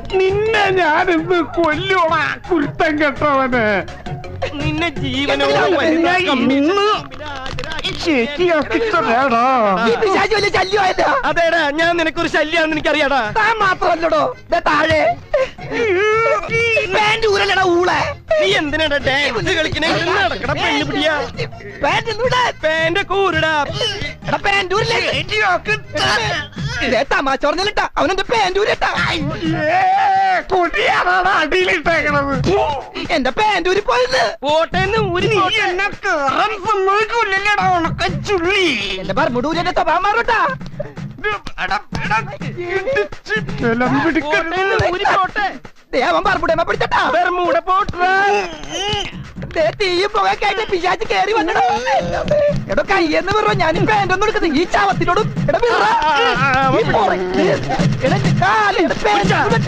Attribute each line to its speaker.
Speaker 1: നിന്നെ ഞാനിന്ന് കൊല്ലോടാ കുരുത്തം കെട്ടവന്.
Speaker 2: നിന്നെ ജീവനോ
Speaker 1: ശരിയാക്കിട്ടേടാ.
Speaker 2: അതേടാ, ഞാൻ നിനക്കൊരു ശല്യാണെന്ന് എനിക്കറിയാടാ.
Speaker 3: താൻ മാത്രമല്ലടോ താഴെ
Speaker 2: നീ എന്തിനാടാ ഡാൻസ് കളിക്കണേ? നടക്കട പെണ്ണു പിടിയാ. പാന്റെ കൂരടാ.
Speaker 3: തമാശ പറഞ്ഞിട്ടാ അവനെന്റെ പാൻറ്റൂരിട്ടാ.
Speaker 1: കൊടിയാണാണ് അടിയിലിട്ടേക്കണത്.
Speaker 3: എന്റെ പാൻറ്റൂരി പോയത്
Speaker 2: പോട്ടേന്ന് ഊരി.
Speaker 1: എന്നെ കേറാൻ സമ്മതിക്കൂല്ലല്ലേടാ ഉണക്കച്ചുള്ളി.
Speaker 3: എന്റെ പറമ്പൂരി എന്റെ സ്വഭാവം മാറൂട്ടാ. അവൻ പറമ്പൂടേമ്മ പിടിച്ചട്ടാ. തീയും പുകയൊക്കെ പിശാച്ച് കേറി വന്നടോ. എടോ കയ്യെന്ന് പറ ഞാൻ പാൻറ്റൊന്നും എടുക്കുന്നത് ഈ ചാവത്തിനോടും.